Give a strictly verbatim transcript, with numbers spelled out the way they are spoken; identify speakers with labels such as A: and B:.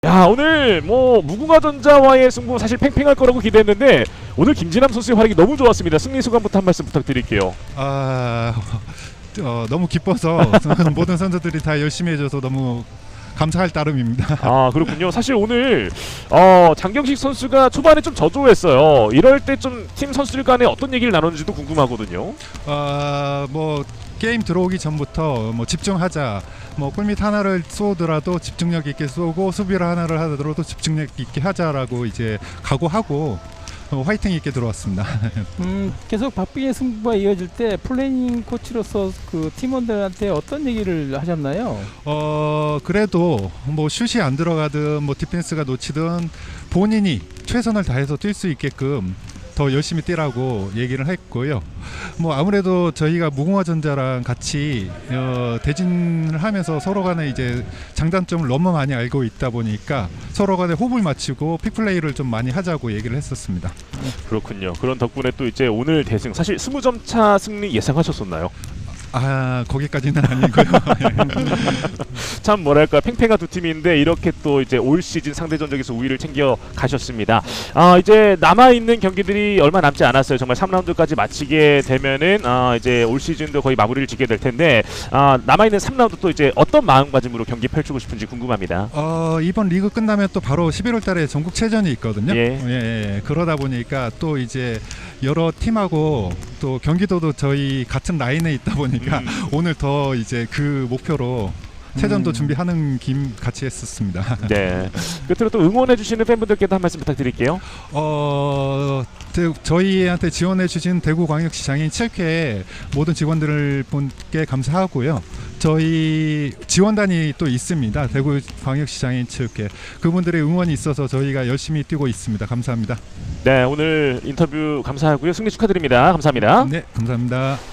A: 야, 오늘 뭐 무궁화전자와의 승부 사실 팽팽할 거라고 기대했는데 오늘 김진남 선수의 활약이 너무 좋았습니다. 승리 소감부터 한 말씀 부탁드릴게요.
B: 아, 어, 너무 기뻐서 모든 선수들이 다 열심히 해줘서 너무 감사할 따름입니다.
A: 아, 그렇군요. 사실 오늘 어, 장경식 선수가 초반에 좀 저조했어요. 이럴 때 좀 팀 선수들 간에 어떤 얘기를 나눴는지도 궁금하거든요.
B: 아, 뭐 게임 들어오기 전부터 뭐 집중하자, 뭐 골밑 하나를 쏘더라도 집중력 있게 쏘고 수비를 하나를 하더라도 집중력 있게 하자라고 이제 각오하고 어, 화이팅 있게 들어왔습니다.
C: 음, 계속 박빙의 승부가 이어질 때 플래닝 코치로서 그 팀원들한테 어떤 얘기를 하셨나요?
B: 어 그래도 뭐 슛이 안 들어가든 뭐 디펜스가 놓치든 본인이 최선을 다해서 뛸 수 있게끔 더 열심히 뛰라고 얘기를 했고요. 뭐 아무래도 저희가 무궁화전자랑 같이 어, 대진을 하면서 서로 간에 이제 장단점을 너무 많이 알고 있다 보니까 서로 간에 호흡을 맞추고 픽플레이를 좀 많이 하자고 얘기를 했었습니다.
A: 그렇군요. 그런 덕분에 또 이제 오늘 대승 사실 이십 점 차 승리 예상하셨었나요?
B: 아, 거기까지는 아니고요.
A: 참 뭐랄까 팽팽한 두 팀인데 이렇게 또 이제 올 시즌 상대전적에서 우위를 챙겨 가셨습니다. 아, 이제 남아 있는 경기들이 얼마 남지 않았어요. 정말 삼 라운드까지 마치게 되면은 아, 이제 올 시즌도 거의 마무리를 짓게 될 텐데 아, 남아 있는 삼 라운드 또 이제 어떤 마음가짐으로 경기 펼치고 싶은지 궁금합니다.
B: 어, 이번 리그 끝나면 또 바로 십일월 달에 전국체전이 있거든요.
A: 예.
B: 예, 예. 그러다 보니까 또 이제 여러 팀하고 또 경기도도 저희 같은 라인에 있다 보니까 음. 오늘 더 이제 그 목표로 체전도
C: 음.
B: 준비하는 김 같이 했었습니다.
A: 네. 끝으로 또 응원해 주시는 팬분들께도 한 말씀 부탁드릴게요.
B: 어, 대, 저희한테 지원해 주신 대구광역시 장애인 체육회 모든 직원들 분께 감사하고요. 저희 지원단이 또 있습니다. 대구광역시 장애인 체육회 그분들의 응원이 있어서 저희가 열심히 뛰고 있습니다. 감사합니다.
A: 네, 오늘 인터뷰 감사하고요. 승리 축하드립니다. 감사합니다.
B: 네, 감사합니다.